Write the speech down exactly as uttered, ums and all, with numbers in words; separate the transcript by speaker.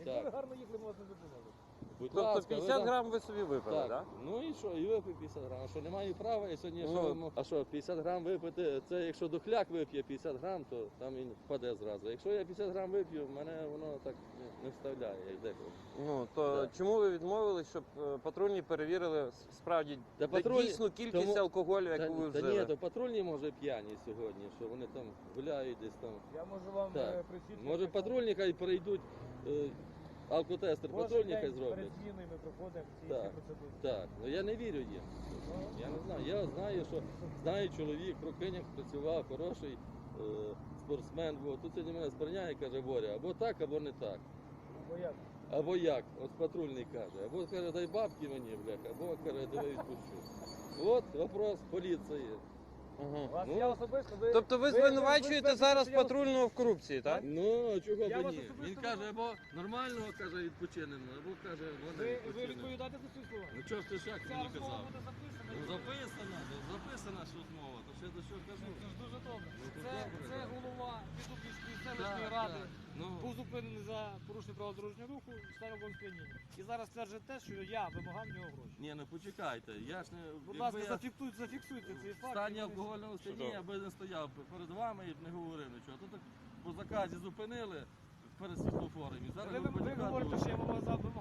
Speaker 1: Якби ви гарно їхали, ми вас не зупинили.
Speaker 2: Будь
Speaker 3: Тобто
Speaker 2: ласка, ви
Speaker 3: п'ятдесят
Speaker 2: там-
Speaker 3: грам ви собі випили, так?
Speaker 2: Так, ну і що, і випив п'ятдесят грам. А що, не маю права, і сьогодні,
Speaker 3: Ну,
Speaker 2: що, ви мо- а що, п'ятдесят грам випити, це якщо дохляк вип'є п'ятдесят грам, то там він впаде зразу. Якщо я п'ятдесят грам вип'ю, мене воно так не, не вставляє, як деколи.
Speaker 3: Ну, то
Speaker 2: Так.
Speaker 3: чому ви відмовились, щоб е, патрульні перевірили с- справді
Speaker 2: Та
Speaker 3: де-
Speaker 2: патруль-
Speaker 3: дійсну кількість
Speaker 2: тому-
Speaker 3: алкоголю,
Speaker 2: Та,
Speaker 3: яку ви
Speaker 2: та
Speaker 3: вжили?
Speaker 2: ні, то патрульні може п'яні сьогодні, що вони там гуляють десь там.
Speaker 1: Я можу вам
Speaker 2: Так.
Speaker 1: е, присвідчити.
Speaker 2: Може
Speaker 1: що
Speaker 2: патрульні хай перейдуть, е, алкотестер
Speaker 1: кожен
Speaker 2: патрульні
Speaker 1: день
Speaker 2: хай
Speaker 1: перед
Speaker 2: зроблять.
Speaker 1: зміною ми проходимо ці
Speaker 2: Так.
Speaker 1: всі процедури.
Speaker 2: Так, ну я не вірю їм. Я не знаю. Я знаю, що знаю чоловік, Крукиняк працював, хороший е, спортсмен. Бо тут сьогодні мене сприйняє, каже, Боря, або так, або не так.
Speaker 1: Бо як?
Speaker 2: Або як? Ось патрульний каже. Або каже, дай бабки мені, бляха, або каже, давай відпущу. От вопрос поліції.
Speaker 3: Ага.
Speaker 1: Вас
Speaker 2: Ну,
Speaker 1: я особисто... Ви,
Speaker 3: Тобто ви звинувачуєте
Speaker 1: ви-
Speaker 3: зараз
Speaker 1: я-
Speaker 3: патрульного в корупції, так?
Speaker 2: Ну, чого
Speaker 1: Я
Speaker 2: б
Speaker 1: вас
Speaker 2: ні?
Speaker 1: особисто
Speaker 2: Він каже, або нормального каже, відпочинемо, або каже,
Speaker 1: Ви,
Speaker 2: вони
Speaker 1: ви
Speaker 2: відпочинемо.
Speaker 1: відповідаєте за свої слова?
Speaker 2: Ну чого ж ти так
Speaker 1: Ця
Speaker 2: мені
Speaker 1: розмова
Speaker 2: казав?
Speaker 1: буде записана.
Speaker 2: Ну записана, ну, записана ж розмова, то ще до чого кажу.
Speaker 1: Це ж дуже добре.
Speaker 2: Ну, то
Speaker 1: Це,
Speaker 2: добре,
Speaker 1: це
Speaker 2: так.
Speaker 1: голова Підубівської
Speaker 2: Так,
Speaker 1: селищної ради.
Speaker 2: так. Ну,
Speaker 1: Був зупинений за порушення правил дорожнього руху в станом сп'яніння. І зараз стверджує те, що я вимагав в нього гроші.
Speaker 2: ні, ну почекайте, я ж не...
Speaker 1: Будь
Speaker 2: якби
Speaker 1: ласка,
Speaker 2: я
Speaker 1: зафіксуйте, зафіксуйте цей
Speaker 2: в
Speaker 1: факт.
Speaker 2: стані
Speaker 1: і ви-
Speaker 2: алкогольного стані,
Speaker 3: Що?
Speaker 2: я би не стояв перед вами і б не говорив нічого. Тут так по заказі зупинили перед світлофором і зараз
Speaker 1: Ви,
Speaker 2: ви
Speaker 1: ви, ви
Speaker 2: почекати.
Speaker 1: говорите, що я вимагав